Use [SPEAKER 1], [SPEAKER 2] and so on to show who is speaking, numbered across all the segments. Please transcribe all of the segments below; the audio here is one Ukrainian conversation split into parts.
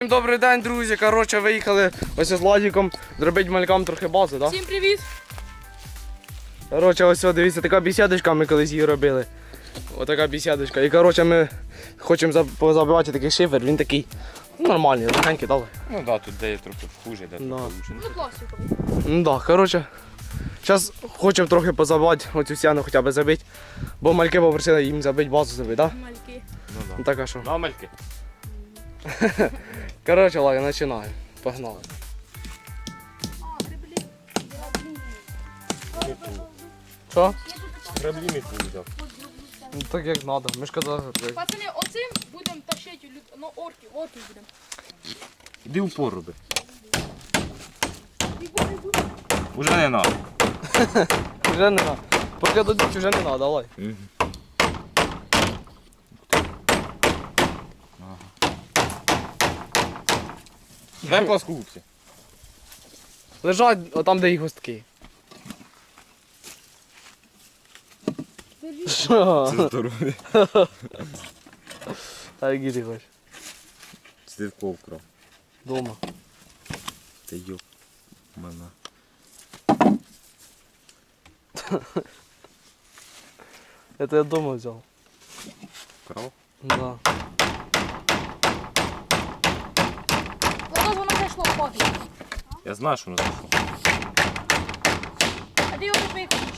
[SPEAKER 1] Добрий день, друзі. Коротше, виїхали ось з Владиком зробити малькам трохи бази, так?
[SPEAKER 2] Всім привіт!
[SPEAKER 1] Коротше, ось, дивіться, така бесідочка, ми колись її робили. Отака бесідочка. І коротше, ми хочемо позабивати такий шифер, він такий нормальний, легенький, дали.
[SPEAKER 3] Ну да, тут де є трохи хуже, де трохи лучше.
[SPEAKER 2] Ну, пластиковий.
[SPEAKER 1] Ну так, коротше. Зараз хочемо трохи позабивати, оцю стіну хоча б забити. Бо мальки попросили їм забити базу забити, так?
[SPEAKER 2] Мальки.
[SPEAKER 3] Ну да.
[SPEAKER 1] Ну так, а що?
[SPEAKER 3] Ну, мальки.
[SPEAKER 1] Коротше, ладно, починаємо. Погнали. Що?
[SPEAKER 3] Граблі мітку взяв.
[SPEAKER 1] Ну так як треба. Ми ж казали.
[SPEAKER 2] Пацани, оцим будемо тащити, ну, орків будемо.
[SPEAKER 3] Іди упор роби. Уже не надо.
[SPEAKER 1] Вже не треба. Поки дадуть, вже не треба, давай.
[SPEAKER 3] Дай плоскогубці.
[SPEAKER 1] Лежать отам, де їх гостки. Що?
[SPEAKER 3] Це здоров'я.
[SPEAKER 1] А які ти хочеш?
[SPEAKER 3] Слідков кров.
[SPEAKER 1] Дома.
[SPEAKER 3] Та йоп. Мене.
[SPEAKER 1] Это я дома взял.
[SPEAKER 3] Кров?
[SPEAKER 1] Да.
[SPEAKER 2] Воно зайшло в погляд.
[SPEAKER 3] Я знаю, що воно зайшло.
[SPEAKER 2] А ти його не виключиш.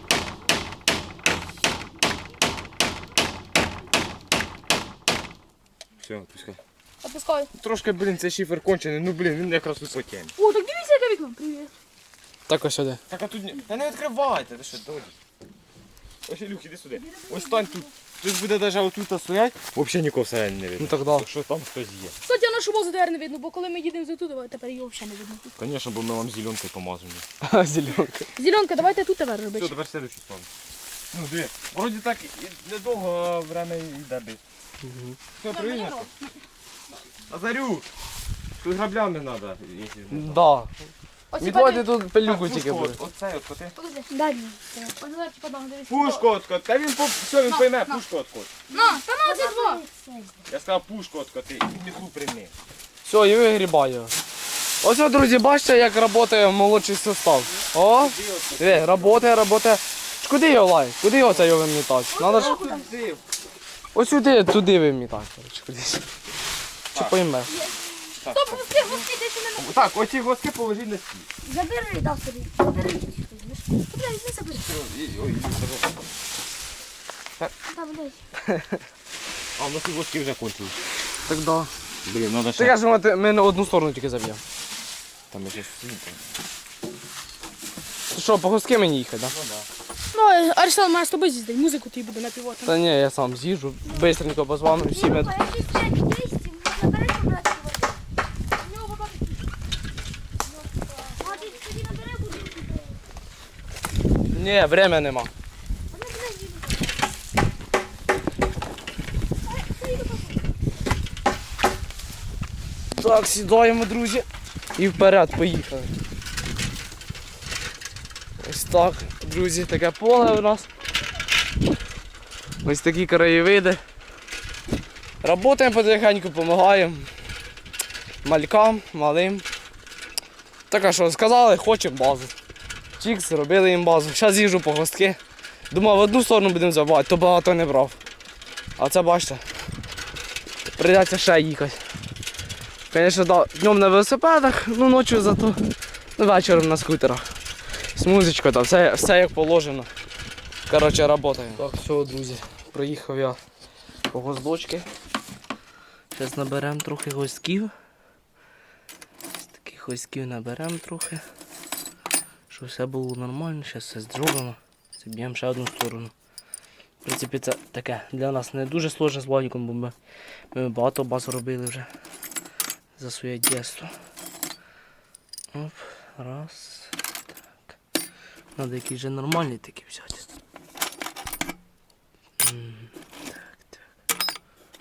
[SPEAKER 3] Все, пускай.
[SPEAKER 2] Опускай.
[SPEAKER 3] Трошки, блін, цей шифер кончений, ну блін, він якраз тут потягне.
[SPEAKER 2] О, так дивіться, яке вікно. Привіт.
[SPEAKER 1] Так ось сюди.
[SPEAKER 3] Так, а тут не... Та не відкривайте, ти що, дойдеш? Ось, Ілюх, іди сюди. Ось стань тут. Тут буде навіть отут стоять, взагалі нікого всередині не
[SPEAKER 1] Ну
[SPEAKER 3] видно.
[SPEAKER 1] так да.
[SPEAKER 3] Так що там хтось є.
[SPEAKER 2] Кстати, а нашу базу тепер не видно, бо коли ми їдемо за тут, тепер його взагалі не видно.
[SPEAKER 3] Звісно, бо ми вам зеленкою помазані.
[SPEAKER 1] Зеленка.
[SPEAKER 2] Зеленка, давайте тут тепер
[SPEAKER 3] Все,
[SPEAKER 2] робити.
[SPEAKER 3] тепер следующий сон. Ну, диви. Вроді так і недовго время йде бить. Все, прийнято. Азарю! Тут граблями треба.
[SPEAKER 1] Да.
[SPEAKER 2] Оці
[SPEAKER 1] Відводити тут пилюку тільки буде.
[SPEAKER 3] Оцей от коти.
[SPEAKER 2] Подожди, дай мені. Ось зараз подам, дивись.
[SPEAKER 3] Пушку откот. Та він все, він пойме, пушку откот.
[SPEAKER 2] На, та на, оці два.
[SPEAKER 3] Я сказав пушку откоти і метлу прийми.
[SPEAKER 1] Все, і вигрібаю. Ось, друзі, бачите, як працює молодший состав. О, працює. Куди його лай? Куди його це його вимітати? Надо ж... Ось сюди, туди вимітати. Кудись. Чи пойме?
[SPEAKER 2] Стоп, гуски, ти ще не...
[SPEAKER 3] Так, оці госки положіть на стіл.
[SPEAKER 4] Забери, дав собі. Забери. Блядь, не забери.
[SPEAKER 3] Ой,
[SPEAKER 4] Там, дай.
[SPEAKER 3] а в нас і госки вже кончились.
[SPEAKER 1] Так да.
[SPEAKER 3] Блін, треба
[SPEAKER 1] Ти
[SPEAKER 3] ще.
[SPEAKER 1] кажеш, ми на одну сторону тільки заб'ємо.
[SPEAKER 3] Там ще світло.
[SPEAKER 1] Ти що, по гуски мені їхати, так? Да?
[SPEAKER 2] Ну, Арсен має з тобою з'їздити, музику ти буде напівати.
[SPEAKER 1] Та ні, я сам з'їжджу, бистренько позвоню всім.
[SPEAKER 4] Якщо 5 200, набери побрати води.
[SPEAKER 2] У нього бабак.
[SPEAKER 4] А ти тоді набери воду.
[SPEAKER 1] Ні, время нема.
[SPEAKER 4] Вони, блядь, їдуть.
[SPEAKER 1] Так, сідаємо, друзі. І вперед, поїхали. Ось так, друзі, таке поле у нас. Ось такі краєвиди. Работаємо потихеньку, допомагаємо малькам, малим. Так, а що, сказали, хочемо базу. Чікс, зробили їм базу. Зараз їжджу по гостки. Думав, в одну сторону будемо забивати, то багато не брав. А це бачите, прийдеться ще їхати. Звісно, да, днем на велосипедах, ну ночі зато вечором на скутерах. З музичкою, там все як положено. Коротше, працюємо. Так, все, друзі, приїхав я по гвоздочки. Зараз наберемо трохи гвоздків. Ось таких гвоздків наберемо трохи. Щоб все було нормально, зараз все зробимо. Заб'ємо ще одну сторону. В принципі, це таке для нас не дуже сложно з Владиком, бо ми багато баз робили вже за своє дєство. Оп, раз. Так. Надо якісь вже нормальні такі взяти. Так.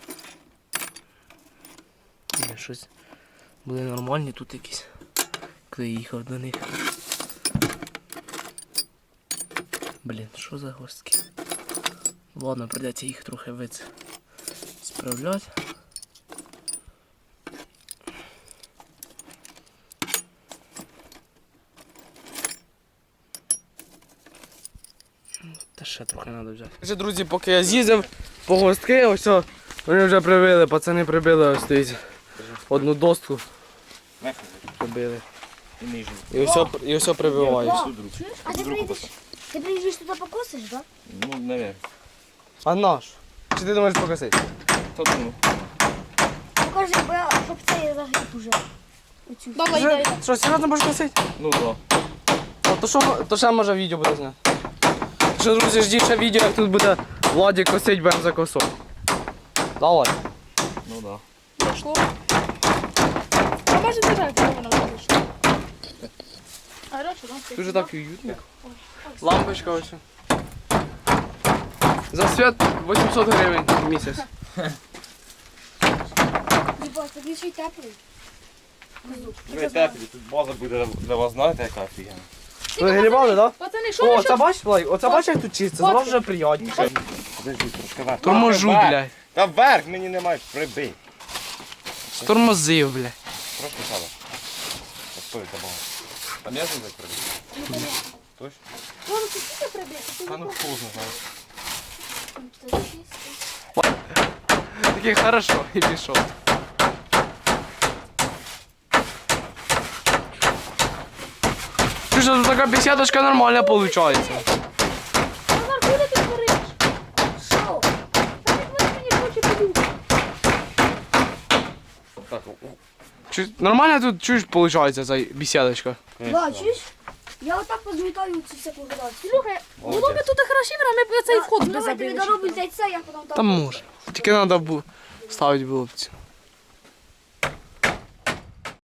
[SPEAKER 1] Ні, щось були нормальні тут якісь, коли я їхав до них. Блін, що за гостки? Ладно, придеться їх трохи справляти. Та ще трохи треба взяти. Вже, друзі, поки я з'їздив по гостки, ось о, вони вже прибили, пацани прибили ось стоїть. Одну достку прибили. І ось прибивають.
[SPEAKER 4] А ти приїдеш туди покосиш, так?
[SPEAKER 3] Ну, наверное.
[SPEAKER 1] А наш? Чи ти думаєш покосити?
[SPEAKER 3] Хто думав?
[SPEAKER 4] Покажи, бо я, щоб це загиб уже. Оцю.
[SPEAKER 2] Давай, дай.
[SPEAKER 1] Що, серйозно будеш косити?
[SPEAKER 3] Ну, да.
[SPEAKER 1] То ще може відео буде зняти. Що, друзі, ждіть ще відео, як тут буде Владик косить бензокосом. Давай.
[SPEAKER 3] Ну, да.
[SPEAKER 2] Пішло. А може не так, коли вона вийшла. А раніше, так?
[SPEAKER 1] Дуже так уютно. Лампочка ось. За свят 800 гривень в місяць.
[SPEAKER 4] Діба, тобі ще й теплий.
[SPEAKER 3] Ви теплі, тут база буде для вас, знаєте, яка офігенна.
[SPEAKER 1] Ви грібали, так?
[SPEAKER 2] Пацани, що
[SPEAKER 1] О,
[SPEAKER 2] ви
[SPEAKER 1] це бачиш, Владик? Оце бачиш, як тут чисто? Це вже приємніше.
[SPEAKER 3] Подожди, трошки вверх.
[SPEAKER 1] Торможу,
[SPEAKER 3] Вверх.
[SPEAKER 1] блядь.
[SPEAKER 3] Та вверх мені немає, прибий.
[SPEAKER 1] Тормозив, блядь.
[SPEAKER 3] Трошки сяде. Постой, забагато. А не знаю, як прибити? Точно?
[SPEAKER 4] Мама, ти скільки прибіг?
[SPEAKER 3] Та ну вкусно, знаєш.
[SPEAKER 1] Такий хорошо, і пішов. Слушай, тут така беседочка нормальна виходить.
[SPEAKER 2] Назар, куди ти твориш?
[SPEAKER 4] Що?
[SPEAKER 2] Та ніхто мені хоче подумати.
[SPEAKER 3] Так,
[SPEAKER 1] Нормально тут чуєш, виходить, ця беседочка?
[SPEAKER 4] Да, чуєш? Я отак позмітаю цю всяку градацію.
[SPEAKER 2] Слухай, було б тут хорошо, а ми б цей вход би
[SPEAKER 4] Давай тобі
[SPEAKER 2] забили.
[SPEAKER 4] доробимо це, я потім
[SPEAKER 1] Там може. Тільки треба ставити було б цю.